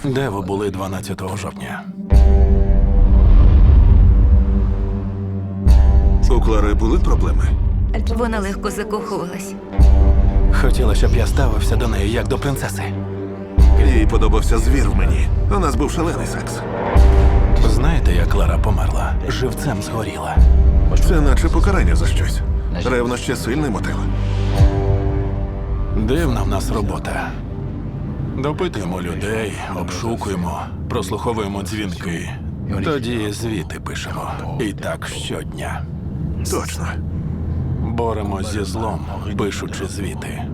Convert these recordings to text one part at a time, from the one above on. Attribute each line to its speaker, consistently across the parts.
Speaker 1: Де ви були 12 жовтня?
Speaker 2: У Клари були проблеми?
Speaker 3: Вона легко закохувалась.
Speaker 1: Хотіла, щоб я ставився до неї як до принцеси.
Speaker 2: Їй подобався звір в мені. У нас був шалений секс.
Speaker 1: Знаєте, як Клара померла? Живцем згоріла.
Speaker 2: Це наче покарання за щось. Ревнощі – сильний мотив.
Speaker 1: Дивна в нас робота. Допитуємо людей, обшукуємо, прослуховуємо дзвінки. Тоді звіти пишемо. І так щодня.
Speaker 2: Точно.
Speaker 1: Боремось зі злом, пишучи звіти.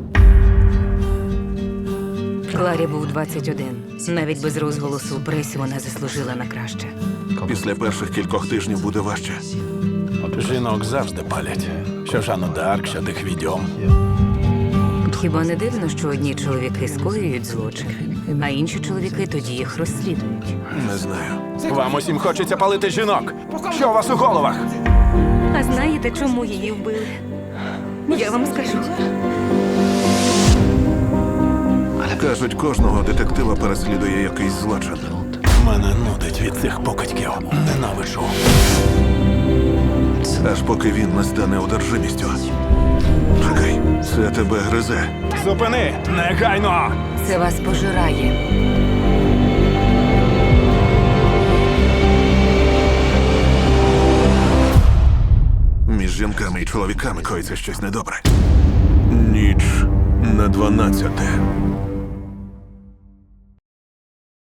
Speaker 3: Кларі був 21. Навіть без розголосу у пресі вона заслужила на краще.
Speaker 2: Після перших кількох тижнів буде важче.
Speaker 1: Жінок завжди палять. Що Жанну д'Арк, що тих відьом.
Speaker 3: Хіба не дивно, що одні чоловіки скоюють злочин, а інші чоловіки тоді їх розслідують?
Speaker 2: Не знаю.
Speaker 1: Вам усім хочеться палити жінок. Що у вас у головах?
Speaker 3: А знаєте, чому її вбили? Я вам скажу.
Speaker 2: Кажуть, кожного детектива переслідує якийсь злочин.
Speaker 1: Мене нудить від цих покидьків. Ненавиджу.
Speaker 2: Аж поки він не стане одержимістю. Чекай, це тебе гризе.
Speaker 1: Зупини! Негайно!
Speaker 3: Це вас пожирає.
Speaker 2: Між жінками і чоловіками коїться щось недобре. Ніч на 12.